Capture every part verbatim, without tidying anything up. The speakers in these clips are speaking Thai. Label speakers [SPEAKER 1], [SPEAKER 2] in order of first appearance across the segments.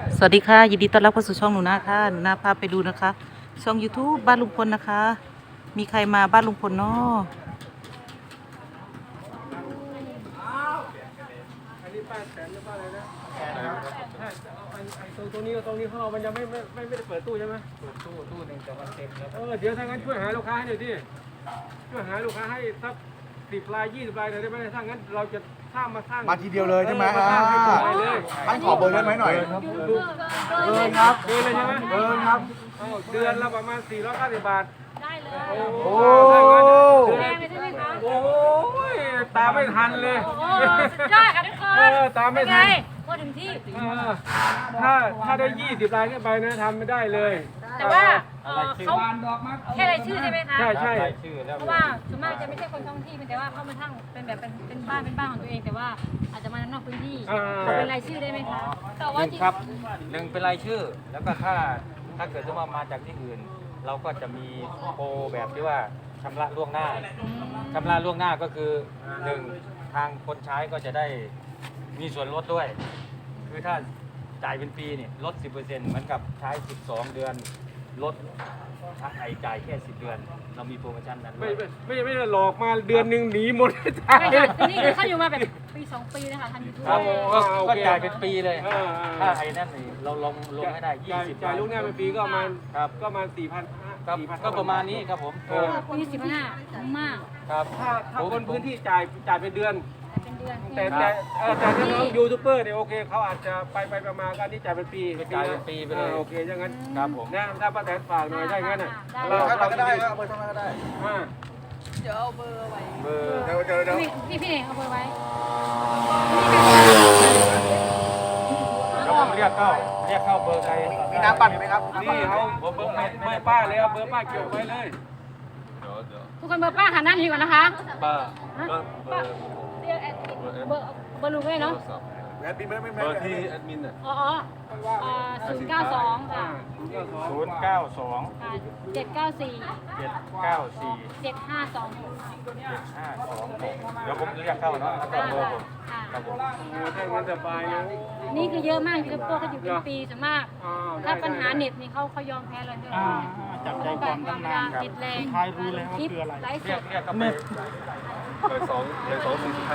[SPEAKER 1] สวัสดีค่ะยินดีต้อนรับเข้าสู่ช่องหนูนาค่ะหนูนาพาไปดูนะคะช่อง YouTube บ้านลุงพลนะคะ มีใครมาบ้านลุงพลเนาะ
[SPEAKER 2] อันนี้ป้าแสนหรือป้าอะไรนะถ้าไอ้ไอ้ตรงตรงนี้กับตรงนี้เขามันยังไม่ไม่ไม่ไม่ได้เปิดตู้ใช่ไหมเปิดตู้ตู้หนึ่งแต่มันเต็มแล้วเออเดี๋ยวถ้างั้นช่วยหาลูกค้าให้หน่อยดิช่วยหาลูกค้าให้สักสิบรายยี่สิบรายหน่อยได้ไหมถ้างั้นเราจะสร้างมาสร้าง
[SPEAKER 3] มาทีเดียวเลยใช่ไหม
[SPEAKER 2] มา
[SPEAKER 3] อ่า
[SPEAKER 2] สร้างให้หมดเลย
[SPEAKER 3] ท่านขอเบอร์ได้ไหมหน่อย
[SPEAKER 2] เดินครับเดินเลยใช่ไหม
[SPEAKER 3] เบอร์ครับ
[SPEAKER 2] เอาเดือนละประมาณสี่ร้อยเก้าสิบบาท
[SPEAKER 4] ได้เลย
[SPEAKER 2] โอ้
[SPEAKER 3] โอ้
[SPEAKER 2] ถ้างั้นเดือน
[SPEAKER 4] แพงเลยใช่ไหมคะ
[SPEAKER 2] โอ้ยตามไม่ทันเลย
[SPEAKER 4] โอ้โหสุดยอดค่ะทุกคน
[SPEAKER 2] เออตามไม่ทัน
[SPEAKER 4] เป็นงพอถึงที่
[SPEAKER 2] เออถ้าถ้าได้ยี่สิบรายขึ้นไปนะทำไม่ได้เลย
[SPEAKER 4] แต่ว่าเอ่อเขาแค่รายชื่อใช่ไหมคะ
[SPEAKER 2] ใช่ใช่
[SPEAKER 4] เพราะว่าส่วนมากจะไม่ใช่คนท้องที่แต่ว่าเขามาทั้งเป็นแบบเป็นเป็นบ้านเป็นบ้านของตัวเอง แต่ว่าอาจจะมานอกพื้นที่ขอเป็นรายชื่อได้ไหมคะแต่
[SPEAKER 5] ห
[SPEAKER 4] ว่า
[SPEAKER 5] นึ่ง
[SPEAKER 4] จริง
[SPEAKER 5] ครับหนึ่งเป็นรายชื่อ แล้วก็ถ้าถ้าเกิดจะมามาจากที่อื่น เราก็จะมีโปรแบบที่ว่าชำระล่วงหน้าชำระล่วงหน้าก็คือหนึ่งทางคนใช้ก็จะได้มีส่วนลดด้วย คือถ้าจ่ายเป็นปีนี่ลด สิบเปอร์เซ็นต์ เหมือนกับใช้ สิบสอง เดือนลดถ้าไอจ่ายแค่ สิบ เดือน เรามีโปรโมชั่นนั้นด้
[SPEAKER 2] ไม่
[SPEAKER 5] วย
[SPEAKER 2] ไม่ไม่ไม่ได้หลอกมาเดือนหนึ่งหนีหมดใช่
[SPEAKER 4] ใช่ค่ะแต่นี่คือเขาอยู่มาแบบปีสองปีนะคะทำยูทูบ
[SPEAKER 5] ครับ
[SPEAKER 2] โอ้
[SPEAKER 5] ก็
[SPEAKER 2] โอเค
[SPEAKER 5] ก็จ่ายเป็นปีเลย
[SPEAKER 2] เออเออ
[SPEAKER 5] ถ้าไอ้นั่นนี่เราลงลงให้ได้
[SPEAKER 2] จ่าย
[SPEAKER 5] ยี่สิบ
[SPEAKER 2] จ่ายลูกหน้าเป็นปีก็ประมาณ
[SPEAKER 5] ครับ
[SPEAKER 2] ก็ประมาณสี่พัน
[SPEAKER 5] ครับก็ประมาณนี้ครับผม
[SPEAKER 2] เออ
[SPEAKER 4] ยี่สิบห้าคุ้มมาก
[SPEAKER 5] ครับ
[SPEAKER 2] ถ้าถ้าคนพื้นที่จ่ายจ่ายเป็นเดือน
[SPEAKER 4] เป็นเดือน
[SPEAKER 2] แต่แต่เออแต่ถ้าน้องยูทูบเบอร์เนี่ยโอเคเขาอาจจะไปไปประมาณกันที่จ่ายเป็นปี
[SPEAKER 5] จ่ายเป็นปีไปเลย
[SPEAKER 2] ออโอเคอย่างนั้น
[SPEAKER 5] ครับผม
[SPEAKER 2] นะถ้าป้าแตนฝากหน่อยได้งั้นน่ะ
[SPEAKER 4] ได้
[SPEAKER 3] เบอร์ท่านก็ได้ครับเบอร์ท่านก็ได้
[SPEAKER 2] อ่า
[SPEAKER 5] เบอร์
[SPEAKER 3] เดี๋ยวเดี๋ยวเดี๋ยว
[SPEAKER 4] พี่พี่พี่เองเอาเบอร์ไว้
[SPEAKER 5] แล้วผมเรียกเข้าเรียกเข้าเบอร์ใคร
[SPEAKER 3] มีน้ำปั่นไหมครับ
[SPEAKER 2] นี่เขาเบอร์เบอร์เบอร์ป้าเลยเอาเบอร์ป้าเกี่ยวไว้เลย
[SPEAKER 4] ทุกคนเบอร์ป้าหันหน้านี้ก่อนนะคะ
[SPEAKER 5] ป้า
[SPEAKER 4] ป้าเรียกแอดมินเบอร์เบอร์ลุงเลยเนาะ
[SPEAKER 3] แอดมินไม่ไม่
[SPEAKER 6] เบ
[SPEAKER 3] ไม่
[SPEAKER 6] อร์ที่แอดมินอ่ะ
[SPEAKER 4] อ๋ออ๋อศูนย์เก้าสองค่ะ
[SPEAKER 5] ศูนย์เก้าสอง
[SPEAKER 4] ค่ะเจ็ดเก้าสี่
[SPEAKER 5] เจ็ดเก้าสี่
[SPEAKER 4] เจ็ดห้าสอง
[SPEAKER 5] เจ็ดห้าสองหกเดี๋ยวผมเรียกเข้าเนาะแล้วก็เบอร์ผม
[SPEAKER 4] ค่ะ
[SPEAKER 5] ครับผม
[SPEAKER 2] โอ้ถ้างั้นสบายนะ
[SPEAKER 4] นี่คือเยอะมากคือพวกเขาอยู่เป็นปีส่วนมาก
[SPEAKER 2] อ่าได้
[SPEAKER 4] ถ้าปัญหาเน็ตนี่เขาเขายอมแพ้เลยจับใจความตั้งนานติดแรงทายรู้แล้วว่าคืออะไรไลฟ์ส
[SPEAKER 5] เรียก
[SPEAKER 4] ด
[SPEAKER 5] เรียกเข้าไป
[SPEAKER 6] เบอร์สองเบอร์สองสี่สิบห้า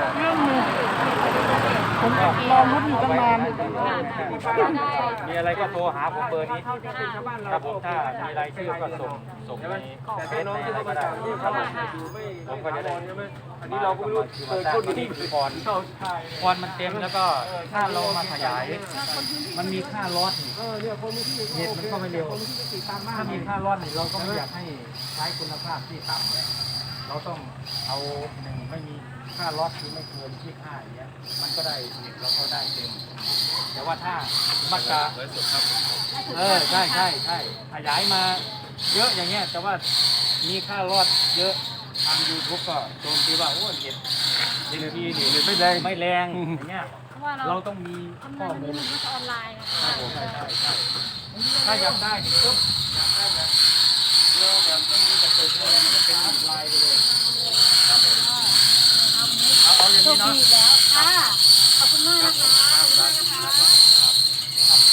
[SPEAKER 5] ผมรอรุ้นอยู่ตั้งนาน
[SPEAKER 4] ได้
[SPEAKER 5] มีอะไรก็โทรหาผมเบอร์นี้
[SPEAKER 2] เขาจะเป็นชาวบ้านเรา
[SPEAKER 5] ครับผมถ้ามีรายชื่อก็ส่งส่งใน
[SPEAKER 2] แต่
[SPEAKER 5] เฟ
[SPEAKER 2] ถ้า
[SPEAKER 5] ซ
[SPEAKER 2] น้อง
[SPEAKER 5] ใน
[SPEAKER 2] ที่
[SPEAKER 5] อะไร
[SPEAKER 2] เขา
[SPEAKER 5] ก็
[SPEAKER 2] มา
[SPEAKER 5] ได้
[SPEAKER 2] จากที่
[SPEAKER 5] ครั
[SPEAKER 2] เขา
[SPEAKER 5] บผม
[SPEAKER 2] อยู่ไม่
[SPEAKER 5] ผมก็จะได้
[SPEAKER 2] ใช่ไหมอันนี้เราก็ไม่รู้เปิดคนที่
[SPEAKER 5] คอนคอนมันเต็มแล้วก็ถ้าเรามาขยาย มันมีค่ารถ
[SPEAKER 2] เออเนี่ยคนที่
[SPEAKER 5] เน็ตมันก็ไม่เร็ว
[SPEAKER 2] ติดตามมาก
[SPEAKER 5] ถ้ามีค่ารถนี่เราก็ไม่อยากให้ใช้คุณภาพที่ต่ำเลยเราต้องเอาหนึ่งไม่มีค่ารถคือไม่เกินที่ค่าอย่างเงี้ยมันก็ได้เน็ตเราก็ได้เต็ม แต่ว่าถ้ามักจะ
[SPEAKER 6] ไลฟ์สดครับ
[SPEAKER 5] เออใช่ใช่ใช่ขยายมาเยอะอย่างเงี้ยแต่ว่ามีค่ารอดเยอะทางยูทูบก็โจมตีว่าโอ้เน็ตเน็ตดีนี่ไม่แรงไม่แรงอย่างเงี้ย
[SPEAKER 4] เพราะว่าเรา
[SPEAKER 5] เราต้องมี
[SPEAKER 4] ทำ
[SPEAKER 5] ข้
[SPEAKER 4] งา
[SPEAKER 5] อน
[SPEAKER 4] มัน
[SPEAKER 5] มูล
[SPEAKER 4] มันก็ออนไลน์นะ
[SPEAKER 5] ครับผมใช่ใช่ใช่ถ้าอยากได้นี่ปุ๊บอยากได้แบบเร็วแบบไม่มีกระตุกเลยมันก็เป็นอีกลายไปเลยครับผมเอาเอาอย่าง
[SPEAKER 4] โช
[SPEAKER 5] นี้
[SPEAKER 4] ค
[SPEAKER 5] เนาะ
[SPEAKER 4] ดีแล้วค่ะขอบคุณมากนะคะขอบคุณมากนะคะ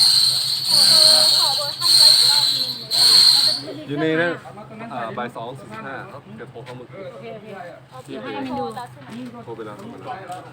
[SPEAKER 6] อยู่ในนั้นอ่าบ่ายสองสี่สิบห้าเขาเกิดโทรเข้ามือ
[SPEAKER 4] เดี๋ยวให้แอดมินดู
[SPEAKER 6] โทรไปแล้วโทรไปแล้ว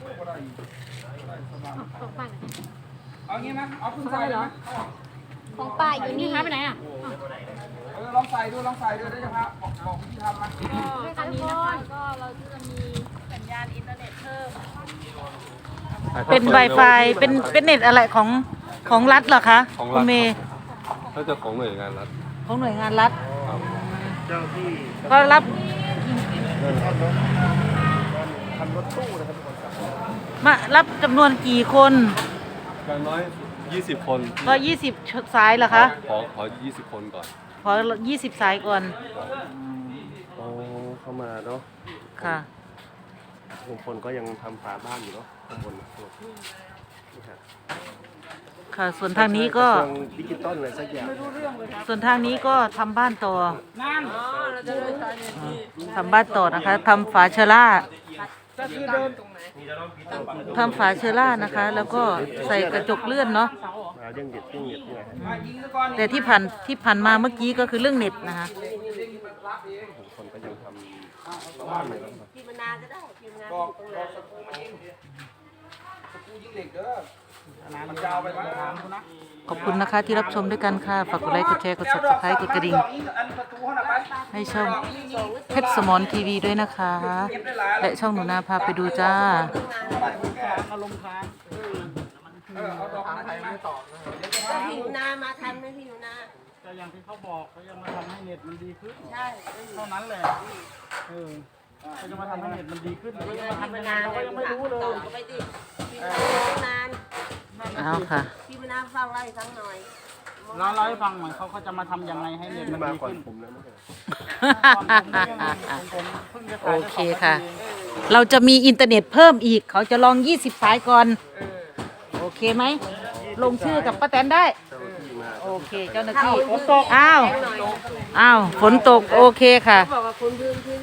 [SPEAKER 4] ของป้า
[SPEAKER 2] เอางี้ไหมเอาคุณ
[SPEAKER 4] ใส่เหรอ
[SPEAKER 7] ของป้าอยู่
[SPEAKER 4] นี่
[SPEAKER 7] นี่
[SPEAKER 4] หายไปไหนอ่ะ
[SPEAKER 2] เออลองใส่ดูลองใส่ดูได้จะพาบอกบอกที่ทำมา
[SPEAKER 4] ก็ตอนนี้นะคะก็เราจะมีสัญญาณอินเทอร์เน็ตเพิ่ม
[SPEAKER 1] เป็น Wi-Fi เป็นเป็นเน็ตอะไรของของรัฐเหรอคะ
[SPEAKER 6] ของ
[SPEAKER 1] คุ
[SPEAKER 6] รั
[SPEAKER 1] ณ
[SPEAKER 6] ฐ
[SPEAKER 1] เมย์
[SPEAKER 6] ถ้าจะของหน่วยงานรัฐ
[SPEAKER 1] ของหน่วยงานรัฐ
[SPEAKER 6] ครับ
[SPEAKER 1] ก็รับมารับจำนวนกี่คน
[SPEAKER 6] อย่างน้อยยี่สิบคน
[SPEAKER 1] ก็ยี่สิบสายเหรอคะ
[SPEAKER 6] ขอขอยี่สิบคนก่อน
[SPEAKER 1] ขอยี่สิบสายก่อน
[SPEAKER 8] โอ้เข้ามาเนาะ
[SPEAKER 1] ค่ะ
[SPEAKER 8] ลุงพลก็ยังทำฝาบ้านอยู่เนาะข้างบนนี่ครับ
[SPEAKER 1] ค่ะ ส่วนทางนี้ก็
[SPEAKER 8] ระทรวงดิจิตอลอะไรสักอย่าง
[SPEAKER 1] ส่วนทางนี้ก็ทำบ้านต่อทำบ้านต่อนะคะทำฝาเชอร่าทำฝาเชอร่านะคะ แล้วก็ใส่กระจกเลื่อนเนาะ
[SPEAKER 8] มาเรื่องเด็ดเรื่องเน็ตนี่แหละ
[SPEAKER 1] แต่ที่ผ่านที่ผ่านมาเมื่อกี้ก็คือเรื่องเน็ตนะคะ
[SPEAKER 8] ลุงพลก็ยังทำบ้านอยู่นะครับ
[SPEAKER 7] พิมนาก็ได้พิมนาอยู่ตรงนั้น
[SPEAKER 1] ขอบคุณนะคะที่รับชมด้วยกันค่ะ ฝากกดไลค์ กดแชร์ กด ซับสไครบ์ กดกระดิ่ง ให้ช่องเพชรสมรทีวีด้วยนะคะ และช่องหนูนาพาไปดูจ้า
[SPEAKER 7] ก็พิมนามาทันไหมพิมนา
[SPEAKER 2] ก็อย่างที่เขาบอกเขายังมาทำให้เน็ตมันดีขึ้น
[SPEAKER 7] ใช่
[SPEAKER 2] เท่านั้นแหละเออเขาจะมาทำให้เน็ตมันดีขึ้น
[SPEAKER 7] พิ
[SPEAKER 2] เขาจะมาทำยังไง
[SPEAKER 7] มนา
[SPEAKER 2] เราก็ยังไม่รู้เลย
[SPEAKER 7] ต่อไปดิพิมนานาน
[SPEAKER 1] เอาค่ะ
[SPEAKER 7] พิมนาฟังไล่ทั้งหน่อย
[SPEAKER 2] เราเล่าให้ฟังหน่อยเขาเขาจะมาทำยังไงให้เน็ต
[SPEAKER 8] ที่
[SPEAKER 2] มัน
[SPEAKER 8] มา
[SPEAKER 2] ดี
[SPEAKER 8] ก่อน
[SPEAKER 2] ขึ้น
[SPEAKER 8] ผมแล้วไม่ใช่เหรอ
[SPEAKER 2] ผมเพิ่งจะ
[SPEAKER 1] โอ
[SPEAKER 2] ขาย
[SPEAKER 1] เคค่ะ เราจะมีอินเทอร์เน็ตเพิ่มอีก เขาจะลองยี่สิบสายก่อน โอเคไหม ลงชื่อกับป้าแตนได้
[SPEAKER 8] เจ้าหน้าที่มา
[SPEAKER 1] โอเค เจ้าหน้าที่
[SPEAKER 7] ฝนตก
[SPEAKER 1] อ้าว
[SPEAKER 7] หน่อย
[SPEAKER 1] อ้าว ฝนตก โอเคค่ะ
[SPEAKER 7] บอกว่าคุณพื้นที่